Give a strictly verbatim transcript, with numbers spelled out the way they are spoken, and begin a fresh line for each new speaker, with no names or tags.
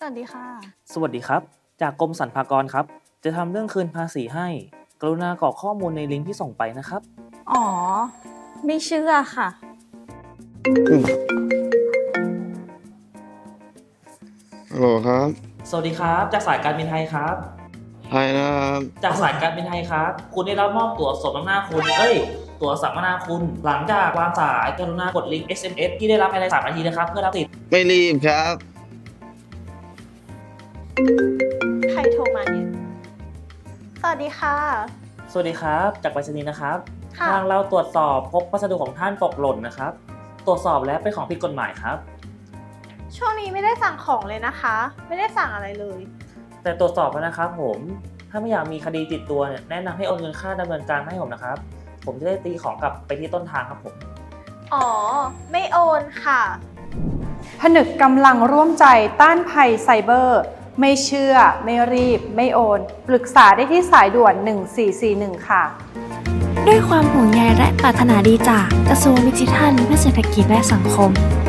วัสดีค่ะ
สวัสดีครับจากกรมสรรพากรครับจะทำเรื่องคืนภาษีให้กรุณากรอกข้อมูลในลิงก์ที่ส่งไปนะครับ
อ๋อ ไม่เชื่อค่ะ
ฮัลโหลครับ
สวัสดีครับจากสายการบินไทยครับ
ไทยนะครับ
จากสายการบินไทยครับคุณได้รับมอบตั๋วสมน้ำหน้าคุณเอ้ยตั๋วสัมมนาคุณหลังจากวางสายกรุณากดลิงก์ เอส เอ็ม เอส ที่ได้รับภายในสามนาทีนะครับเพื่อรับสิทธิ์
ไม่รีบครับ
ใครโทรมาเนี่ย สวัสดีค่ะ
สวัสดีครับจากไปรษณีย์นะครับ
ค่ะ
ทางเราตรวจสอบพบพัสดุของท่านตกหล่นนะครับตรวจสอบแล้วเป็นของผิดกฎหมายครับ
ช่วงนี้ไม่ได้สั่งของเลยนะคะ ไม่ได้สั่งอะไรเลย
แต่ตรวจสอบแล้วนะครับผมถ้าไม่อยากมีคดีติดตัวเนี่ยแนะนำให้โอนเงินค่าดำเนินการมาให้ผมนะครับผมจะได้ตีของกลับไปที่ต้นทางครับผม
อ๋อ ไม่โอนค่ะ
ผนึกกำลังร่วมใจต้านภัยไซเบอร์ ไม่เชื่อ ไม่รีบ ไม่โอน ปรึกษาได้ที่สายด่วน หนึ่งสี่สี่หนึ่ง ค่ะ
ด้วยความห่วงใยและปรารถนาดีจากกระทรวงดิจิทัลเพื่อเศรษฐกิจและสังคม